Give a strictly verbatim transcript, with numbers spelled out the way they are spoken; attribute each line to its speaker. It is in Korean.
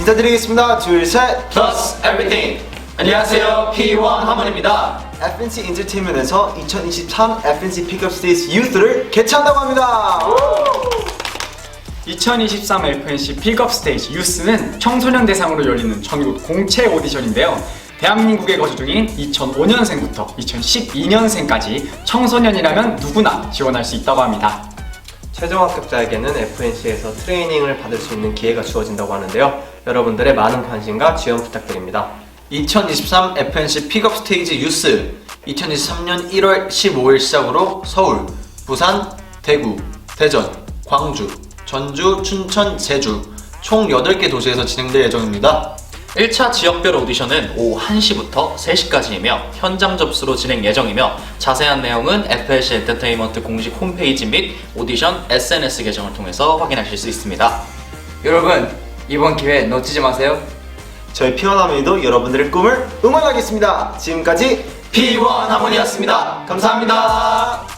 Speaker 1: 인사드리겠습니다. 둘, 셋.
Speaker 2: Plus Everything. 안녕하세요, 피원 하몬입니다.
Speaker 1: 에프엔씨 엔터테인먼트에서 이천이십삼 에프엔씨 픽업 스테이지 유스를 개최한다고 합니다.
Speaker 3: 이천이십삼 에프엔씨 픽업 스테이지 유스는 청소년 대상으로 열리는 전국 공채 오디션인데요. 대한민국에 거주 중인 이천오 년생부터 이천십이 년생까지 청소년이라면 누구나 지원할 수 있다고 합니다.
Speaker 4: 최종 합격자에게는 에프엔씨에서 트레이닝을 받을 수 있는 기회가 주어진다고 하는데요. 여러분들의 많은 관심과 지원 부탁드립니다.
Speaker 2: 이천이십삼 에프엔씨 픽업 스테이지 유스 이천이십삼 년 일월 십오일 시작으로 서울, 부산, 대구, 대전, 광주, 전주, 춘천, 제주 총 여덟 개 도시에서 진행될 예정입니다.
Speaker 5: 일 차 지역별 오디션은 오후 한 시부터 세 시까지이며 현장 접수로 진행 예정이며 자세한 내용은 에프엔씨 엔터테인먼트 공식 홈페이지 및 오디션 에스엔에스 계정을 통해서 확인하실 수 있습니다.
Speaker 6: 여러분, 이번 기회 놓치지 마세요.
Speaker 1: 저희 피원 하모니도 여러분들의 꿈을 응원하겠습니다. 지금까지
Speaker 2: 피원 하몬이었습니다. 감사합니다.